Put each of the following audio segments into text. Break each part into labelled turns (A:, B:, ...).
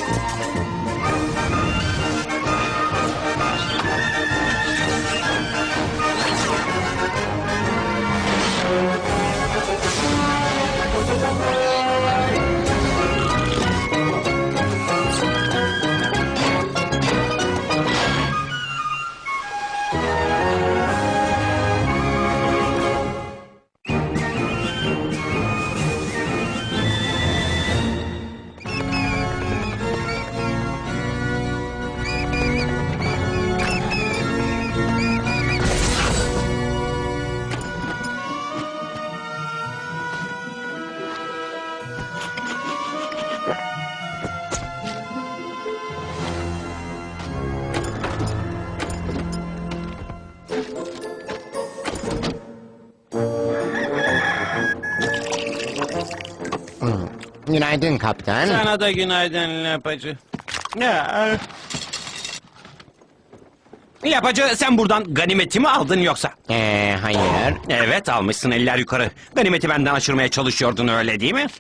A: Günaydın kaptan.
B: Sana da günaydın Lapacı. Lapacı, sen buradan ganimeti mi aldın yoksa?
A: Hayır.
B: Evet, almışsın, eller yukarı. Ganimeti benden aşırmaya çalışıyordun, öyle değil mi?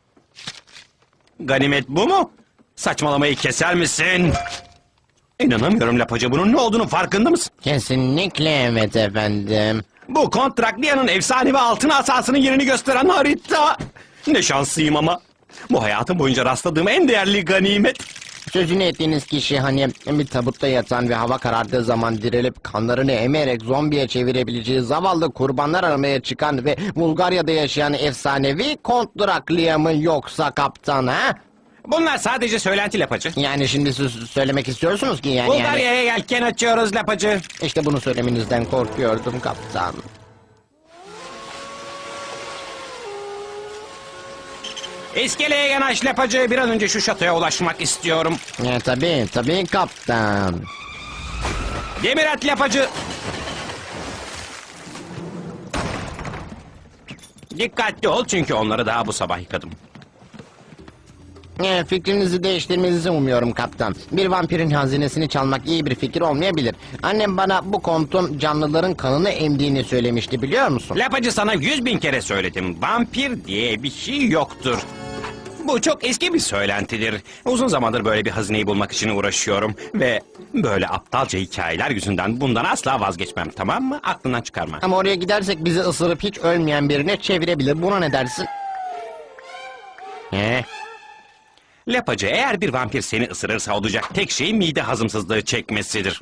B: Ganimet bu mu? Saçmalamayı keser misin? İnanamıyorum Lapacı, bunun ne olduğunu farkında mısın?
A: Kesinlikle evet efendim.
B: Bu Kontrakliya'nın efsanevi altın asasının yerini gösteren harita. Ne şanslıyım ama. Bu hayatım boyunca rastladığım en değerli ganimet.
A: Sözünü ettiğiniz kişi hani bir tabutta yatan ve hava karardığı zaman dirilip kanlarını emerek zombiye çevirebileceği zavallı kurbanlar aramaya çıkan ve Bulgarya'da yaşayan efsanevi Kont Draklia mı yoksa kaptan ha?
B: Bunlar sadece söylenti Lapacı.
A: Yani şimdi siz söylemek istiyorsunuz ki yani...
B: Bulgarya'ya yelken açıyoruz Lapacı.
A: İşte bunu söylemenizden korkuyordum kaptan.
B: İskeleye yanaş Lapacı. Bir an önce şu şatoya ulaşmak istiyorum.
A: Tabii kaptan.
B: Demir at Lapacı. Dikkatli ol çünkü onları daha bu sabah yıkadım.
A: Fikrinizi değiştirmenizi umuyorum kaptan. Bir vampirin hazinesini çalmak iyi bir fikir olmayabilir. Annem bana bu kontun canlıların kanını emdiğini söylemişti, biliyor musun?
B: Lapacı, sana 100.000 kere söyledim. Vampir diye bir şey yoktur. Bu çok eski bir söylentidir. Uzun zamandır böyle bir hazineyi bulmak için uğraşıyorum. Ve böyle aptalca hikayeler yüzünden bundan asla vazgeçmem, tamam mı? Aklından çıkarma.
A: Ama oraya gidersek bizi ısırıp hiç ölmeyen birine çevirebilir. Buna ne dersin?
B: Lapacı, eğer bir vampir seni ısırırsa olacak tek şey mide hazımsızlığı çekmesidir.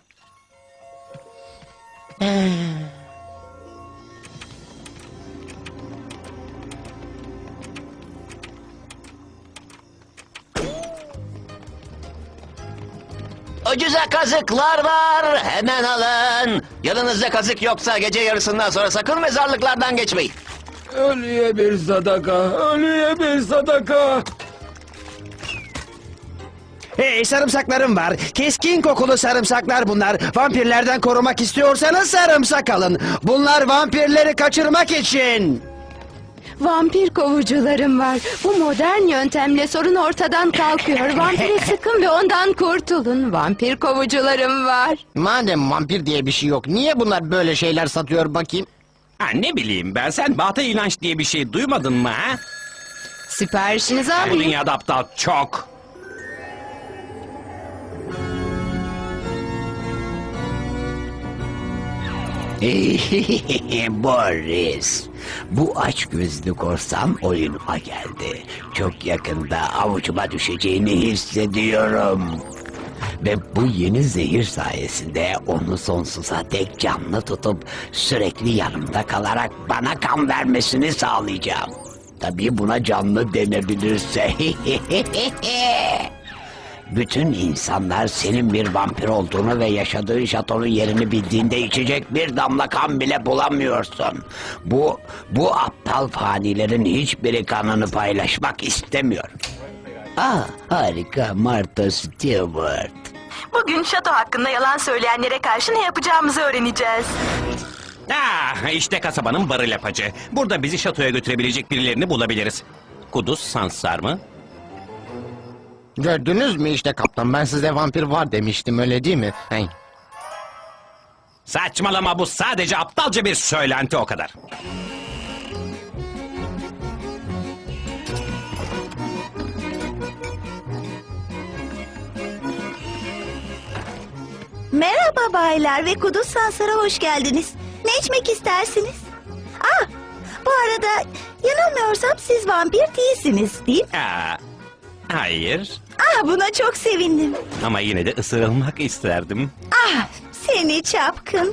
C: Ucuza kazıklar var, hemen alın. Yanınızda kazık yoksa gece yarısından sonra sakın mezarlıklardan geçmeyin.
D: Ölüye bir sadaka, ölüye bir sadaka.
E: Hey, sarımsaklarım var. Keskin kokulu sarımsaklar bunlar. Vampirlerden korumak istiyorsanız sarımsak alın. Bunlar vampirleri kaçırmak için.
F: Vampir kovucularım var. Bu modern yöntemle sorun ortadan kalkıyor. Vampire sıkın ve ondan kurtulun. Vampir kovucularım var.
A: Madem vampir diye bir şey yok, niye bunlar böyle şeyler satıyor bakayım?
B: Ha, ne bileyim ben, sen Batı inanç diye bir şey duymadın mı ha?
F: Siparişinizi
B: Bu
F: alayım.
B: dünyada aptal çok.
C: Boris, bu açgözlü korsan oyunuma geldi. Çok yakında avucuma düşeceğini hissediyorum. Ve bu yeni zehir sayesinde onu sonsuza dek canlı tutup sürekli yanımda kalarak bana kan vermesini sağlayacağım. Tabii buna canlı denebilirse. Bütün insanlar senin bir vampir olduğunu ve yaşadığın şatonun yerini bildiğinde içecek bir damla kan bile bulamıyorsun. Bu aptal fanilerin hiçbiri kanını paylaşmak istemiyor. Harika Martha Stewart.
G: Bugün şato hakkında yalan söyleyenlere karşı ne yapacağımızı öğreneceğiz.
B: İşte kasabanın barı Lapacı. Burada bizi şatoya götürebilecek birilerini bulabiliriz. Kuduz Sansar mı?
A: Gördünüz mü işte kaptan, ben size vampir var demiştim, öyle değil mi?
B: Saçmalama, bu sadece aptalca bir söylenti, o kadar.
H: Merhaba baylar ve Kuduz Sansar'a hoş geldiniz. Ne içmek istersiniz? Ah, bu arada yanılmıyorsam siz vampir değilsiniz değil mi?
B: Hayır.
H: Ah, buna çok sevindim.
B: Ama yine de ısırılmak isterdim.
H: Ah, seni çapkın.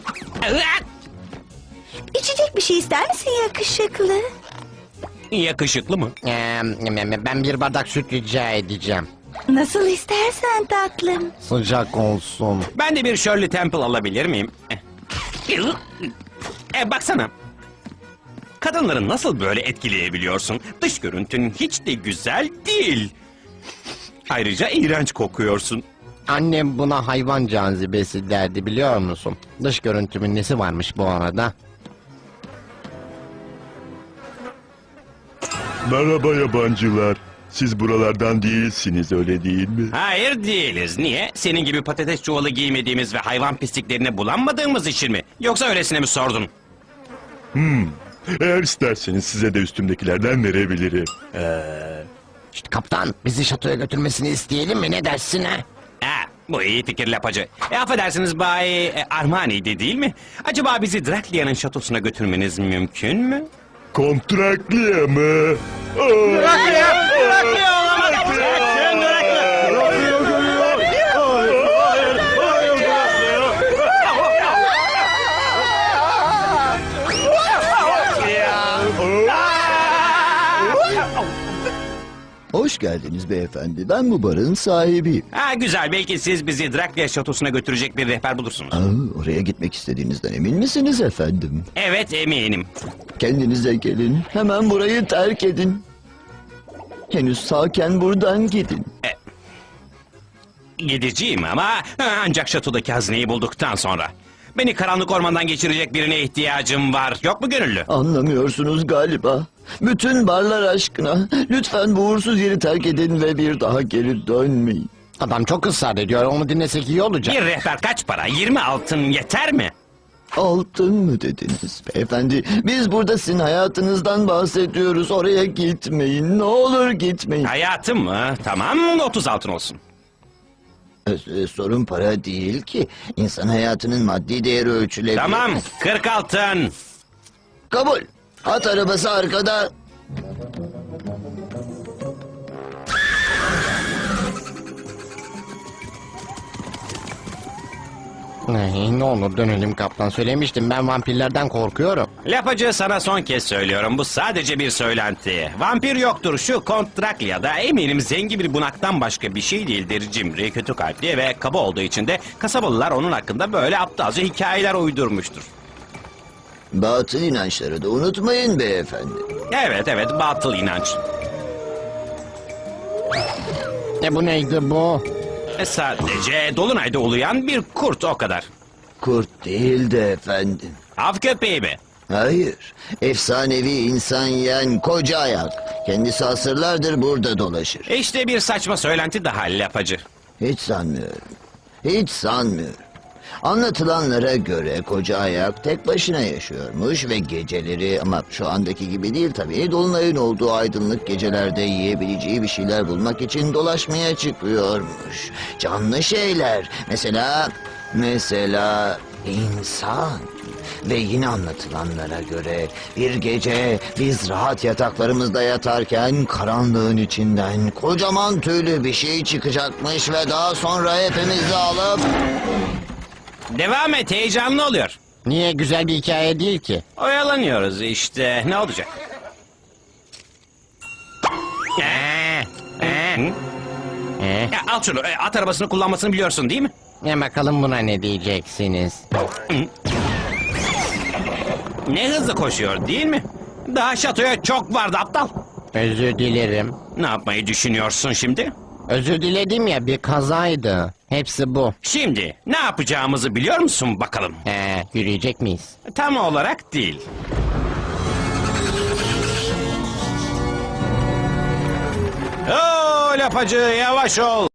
H: İçecek bir şey ister misin yakışıklı?
B: Yakışıklı mı?
A: Ben bir bardak süt rica edeceğim.
H: Nasıl istersen tatlım.
A: Sıcak olsun.
B: Ben de bir Shirley Temple alabilir miyim? Baksana. Kadınları nasıl böyle etkileyebiliyorsun? Dış görüntün hiç de güzel değil. Ayrıca iğrenç kokuyorsun.
A: Annem buna hayvan cazibesi derdi, biliyor musun? Dış görüntümün nesi varmış bu arada?
I: Merhaba yabancılar. Siz buralardan değilsiniz, öyle değil mi?
B: Hayır değiliz. Niye? Senin gibi patates çuvalı giymediğimiz ve hayvan pisliklerine bulanmadığımız için mi? Yoksa öylesine mi sordun?
I: Eğer isterseniz size de üstümdekilerden verebilirim.
A: İşte kaptan, bizi şatoya götürmesini isteyelim mi, ne dersin ha?
B: Bu iyi fikir lapacı. Affedersiniz Bay Armani'di değil mi? Acaba bizi Draklia'nın şatosuna götürmeniz mümkün mü?
I: Kontrakliye mı?
J: Hoş geldiniz beyefendi. Ben bu barın sahibiyim.
B: Güzel. Belki siz bizi Draklia şatosuna götürecek bir rehber bulursunuz.
J: Oraya gitmek istediğinizden emin misiniz efendim?
B: Evet, eminim.
J: Kendinize gelin. Hemen burayı terk edin. Henüz sağken buradan gidin.
B: Gideceğim ama ancak şatodaki hazineyi bulduktan sonra. Beni karanlık ormandan geçirecek birine ihtiyacım var. Yok mu gönüllü?
J: Anlamıyorsunuz galiba. Bütün barlar aşkına. Lütfen bu uğursuz yeri terk edin ve bir daha geri dönmeyin.
A: Adam çok ısrar ediyor, onu dinlesek iyi olacak.
B: Bir rehber kaç para? 20 altın yeter mi?
J: Altın mı dediniz beyefendi? Biz burada sizin hayatınızdan bahsediyoruz. Oraya gitmeyin. Ne olur gitmeyin.
B: Hayatım mı? Tamam, 30 altın olsun.
J: Sorun para değil ki. İnsan hayatının maddi değeri ölçülebilir.
B: Tamam, 40 altın.
J: Kabul. At arabası arkada.
A: Ne olur dönelim kaptan, söylemiştim ben vampirlerden korkuyorum.
B: Lapacı, sana son kez söylüyorum. Bu sadece bir söylenti. Vampir yoktur. Şu Kont Drakya'da eminim zengin bir bunaktan başka bir şey değildir. Cimri, kötü kalpli ve kaba olduğu için de kasabalılar onun hakkında böyle aptalca hikayeler uydurmuştur.
J: Batıl inançları da unutmayın beyefendi.
B: Evet, batıl inanç.
A: Bu neydi bu?
B: Sadece Dolunay'da uluyan bir kurt, o kadar.
J: Kurt değil de efendim.
B: Av köpeği mi?
J: Hayır. Efsanevi insan yiyen koca ayak. Kendisi asırlardır burada dolaşır.
B: İşte bir saçma söylenti daha lapacı.
J: Hiç sanmıyorum. Hiç sanmıyorum. Anlatılanlara göre koca ayak tek başına yaşıyormuş ve geceleri, ama şu andaki gibi değil tabii, dolunayın olduğu aydınlık gecelerde yiyebileceği bir şeyler bulmak için dolaşmaya çıkıyormuş. Canlı şeyler, mesela insan. Ve yine anlatılanlara göre bir gece biz rahat yataklarımızda yatarken karanlığın içinden kocaman tüylü bir şey çıkacakmış ve daha sonra hepimizi alıp...
B: Devam et, heyecanlı oluyor.
A: Niye, güzel bir hikaye değil ki?
B: Oyalanıyoruz işte, ne olacak? Al şunu, at arabasını kullanmasını biliyorsun değil mi?
A: Bakalım buna ne diyeceksiniz?
B: Ne hızlı koşuyor değil mi? Daha şatoya çok vardı aptal.
A: Özür dilerim.
B: Ne yapmayı düşünüyorsun şimdi?
A: Özür diledim ya, bir kazaydı. Hepsi bu.
B: Şimdi ne yapacağımızı biliyor musun bakalım?
A: Yürüyecek miyiz?
B: Tam olarak değil. Oo lapacı, yavaş ol.